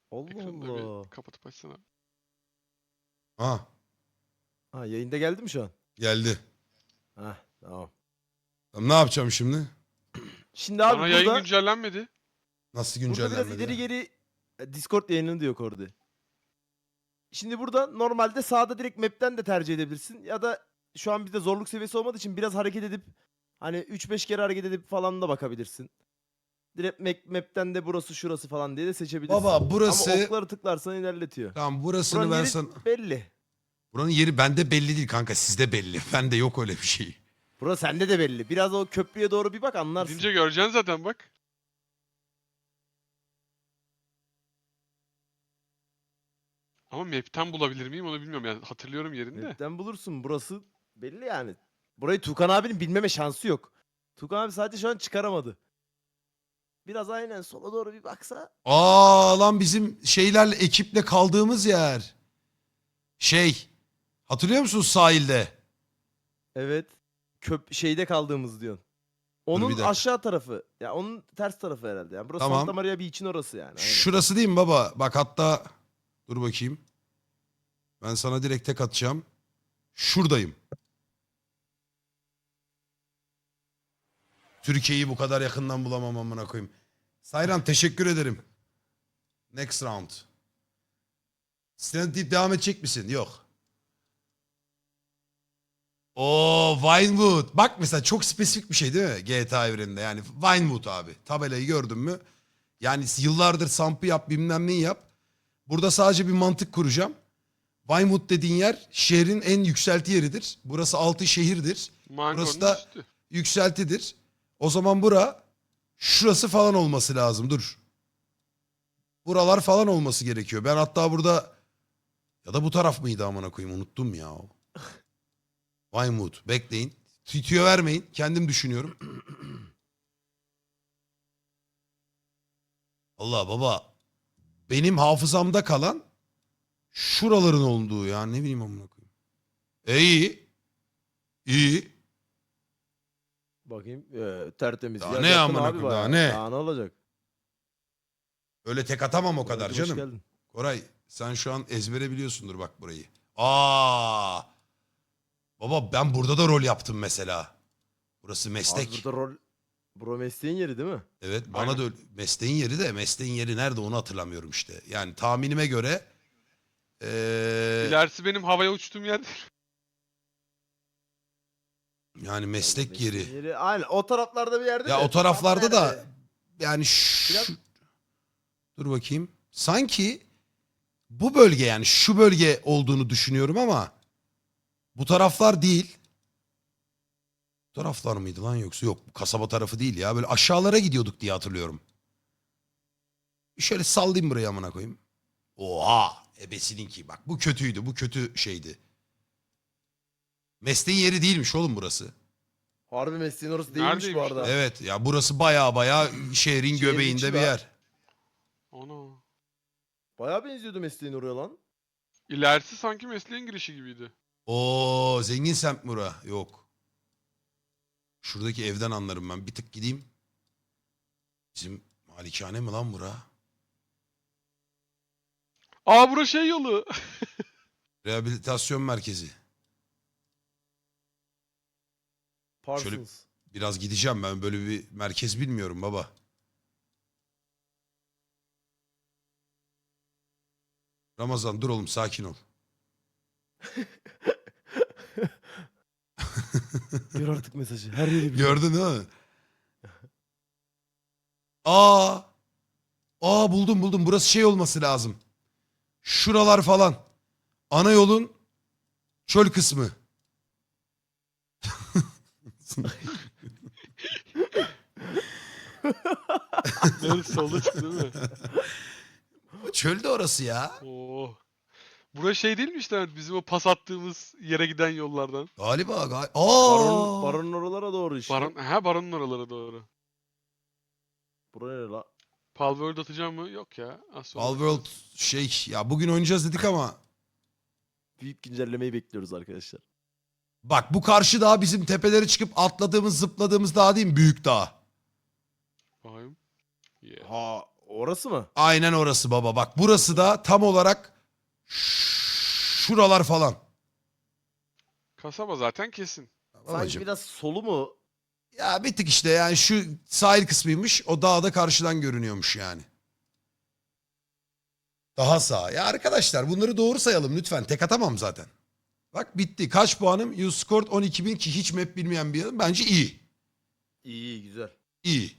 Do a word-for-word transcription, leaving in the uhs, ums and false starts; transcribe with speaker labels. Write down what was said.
Speaker 1: Allah
Speaker 2: Ekranı da
Speaker 1: Allah.
Speaker 2: bir kapatıp açsana.
Speaker 3: Ha
Speaker 1: Ha, yayında geldi mi şu an?
Speaker 3: geldi.
Speaker 1: Ha, tamam.
Speaker 3: Tamam, ne yapacağım şimdi?
Speaker 1: Şimdi abi
Speaker 2: Bana yayın
Speaker 1: burada
Speaker 2: güncellenmedi.
Speaker 3: Nasıl
Speaker 1: burada biraz
Speaker 3: güncellenmedi
Speaker 1: ileri
Speaker 3: ya?
Speaker 1: geri e, Discord yayını diyor Kordi. Şimdi burada normalde sağda direkt map'ten de tercih edebilirsin ya da şu an bizde zorluk seviyesi olmadığı için biraz hareket edip hani üç beş kere hareket edip falan da bakabilirsin. Direkt map, map'ten de burası şurası falan diye de seçebilirsin.
Speaker 3: Baba burası...
Speaker 1: Ama okları tıklarsan ilerletiyor.
Speaker 3: Tamam, burasını
Speaker 1: Buranın
Speaker 3: ben
Speaker 1: yeri
Speaker 3: sana...
Speaker 1: belli.
Speaker 3: Buranın yeri bende belli değil kanka, sizde belli. Bende yok öyle bir şey.
Speaker 1: Burası sende de belli. Biraz o köprüye doğru bir bak anlarsın.
Speaker 2: Gidince göreceksin zaten bak. Ama map'ten bulabilir miyim onu bilmiyorum. Yani hatırlıyorum yerini de.
Speaker 1: Map'ten bulursun. Burası belli yani. Burayı Tukan abinin bilmeme şansı yok. Tukan abi sadece şu an çıkaramadı. Biraz aynen sola doğru bir baksa.
Speaker 3: Aa lan, bizim şeylerle, ekiple kaldığımız yer. Şey, hatırlıyor musun sahilde?
Speaker 1: Evet. Köp şeyde kaldığımız diyorsun.
Speaker 3: bir
Speaker 1: Onun
Speaker 3: dakika.
Speaker 1: aşağı tarafı. Ya onun ters tarafı herhalde. Yani burası
Speaker 3: Tamam.
Speaker 1: Santa Maria Beach'in orası yani. Aynen.
Speaker 3: Şurası değil mi baba? Bak hatta dur bakayım. Ben sana direkt tek atacağım. Şuradayım. Türkiye'yi bu kadar yakından bulamam amına koyayım. Sayran teşekkür ederim. Next round. Stand deyip devam edecek misin? Yok. Oo, Vinewood. Bak mesela çok spesifik bir şey değil mi? G T A evreninde yani. Vinewood abi. Tabelayı gördün mü? Yani yıllardır sampı yap, bilmem neyi yap. Burada sadece bir mantık kuracağım. Vinewood dediğin yer şehrin en yükselti yeridir. Burası altı şehirdir.
Speaker 2: Mangonun
Speaker 3: Burası da
Speaker 2: üstü.
Speaker 3: yükseltidir. O zaman bura şurası falan olması lazım. Dur. Buralar falan olması gerekiyor. Ben hatta burada ya da bu taraf mıydı amına koyayım, unuttum ya. Vinewood. Bekleyin. Tüyo vermeyin. Kendim düşünüyorum. Allah baba. Benim hafızamda kalan şuraların olduğu ya, ne bileyim amına koyayım. E iyi. İyi.
Speaker 1: Bakayım. Ee, tertemiz.
Speaker 3: Daha
Speaker 1: Ya
Speaker 3: ne
Speaker 1: yakın
Speaker 3: amına
Speaker 1: abi
Speaker 3: koyayım, daha
Speaker 1: bayağı.
Speaker 3: ne?
Speaker 1: Daha ne olacak?
Speaker 3: Öyle tek atamam o kadar
Speaker 1: Kordi, hoş
Speaker 3: canım.
Speaker 1: geldin.
Speaker 3: Koray sen şu an ezbere biliyorsundur bak burayı. Aa! Baba ben burada da rol yaptım mesela. Burası
Speaker 1: Abi
Speaker 3: meslek.
Speaker 1: burada rol... Bro mesleğin yeri değil mi?
Speaker 3: Evet, bana
Speaker 2: Aynen.
Speaker 3: da öyle- mesleğin yeri de mesleğin yeri nerede onu hatırlamıyorum işte. Yani tahminime göre ee,
Speaker 2: İlerisi benim havaya uçtuğum yer.
Speaker 3: yani meslek
Speaker 1: Mesleğin
Speaker 3: yeri.
Speaker 1: yeri. Aynen o taraflarda bir yerde
Speaker 3: Ya
Speaker 1: de.
Speaker 3: o taraflarda
Speaker 1: Tam
Speaker 3: da
Speaker 1: nerede?
Speaker 3: yani şu,
Speaker 1: Biraz-
Speaker 3: dur bakayım. Sanki bu bölge, yani şu bölge olduğunu düşünüyorum ama bu taraflar değil. Bu taraflar mıydı lan, yoksa yok, bu kasaba tarafı değil ya. Böyle aşağılara gidiyorduk diye hatırlıyorum. Şöyle sallayayım buraya amına koyayım. Oha! Ebesininki bak, bu kötüydü, bu kötü şeydi. Mesleğin yeri değilmiş oğlum burası.
Speaker 1: Harbi mesleğin orası değilmiş bu
Speaker 2: Neredeymiş
Speaker 1: arada.
Speaker 2: lan?
Speaker 3: Evet ya, burası baya baya şehrin
Speaker 1: Şehrin
Speaker 3: göbeğinde
Speaker 1: içi
Speaker 3: bir
Speaker 1: be.
Speaker 3: yer.
Speaker 2: Ana.
Speaker 1: Bayağı benziyordu mesleğin oraya lan.
Speaker 2: İlerisi sanki mesleğin girişi gibiydi.
Speaker 3: Oo, zengin semt mi bura? Yok. Şuradaki evden anlarım ben. Bir tık gideyim. Bizim malikane mi lan bura?
Speaker 2: Aa bura şey yolu.
Speaker 3: Rehabilitasyon merkezi.
Speaker 1: Parsons.
Speaker 3: Şöyle- Biraz gideceğim, ben böyle bir merkez bilmiyorum baba. Ramazan dur oğlum, sakin ol.
Speaker 1: Gör artık mesajı. Her yeri biliyor.
Speaker 3: Gördün değil mi? Aa! Aa, buldum buldum. Burası şey olması lazım. Şuralar falan. Ana yolun çöl kısmı.
Speaker 2: Neresi solda çıktı değil mi?
Speaker 3: Çölde orası ya.
Speaker 2: Oo. Bura şey değil mi işte bizim o pas attığımız yere giden yollardan?
Speaker 3: Galiba galiba.
Speaker 1: Baron,
Speaker 3: Aa!
Speaker 1: baronun oralara doğru işte.
Speaker 2: Baron, ha baronun oralara doğru.
Speaker 1: Buraya ne la?
Speaker 2: Palworld atacağım mı? Yok ya. Az sonra
Speaker 3: Palworld
Speaker 2: bakarız.
Speaker 3: şey ya, bugün oynayacağız dedik ama
Speaker 1: Büyük güncellemeyi bekliyoruz arkadaşlar.
Speaker 3: bak, bu karşı dağ bizim tepelere çıkıp atladığımız zıpladığımız dağ değil mi? Büyük dağ.
Speaker 2: Bakayım. Yeah.
Speaker 1: Ha Orası mı?
Speaker 3: Aynen orası baba. Bak burası da tam olarak şuralar falan.
Speaker 2: Kasaba zaten kesin.
Speaker 1: Sanki
Speaker 3: Babacım.
Speaker 1: biraz solu mu?
Speaker 3: Ya bir tık işte yani şu sahil kısmıymış. O dağda karşıdan görünüyormuş yani. Daha sağ. Ya arkadaşlar bunları doğru sayalım lütfen. Tek atamam zaten. Bak bitti. Kaç puanım? You scored on iki bin ki hiç map bilmeyen bir adam. Bence iyi.
Speaker 1: İyi, iyi güzel.
Speaker 3: İyi.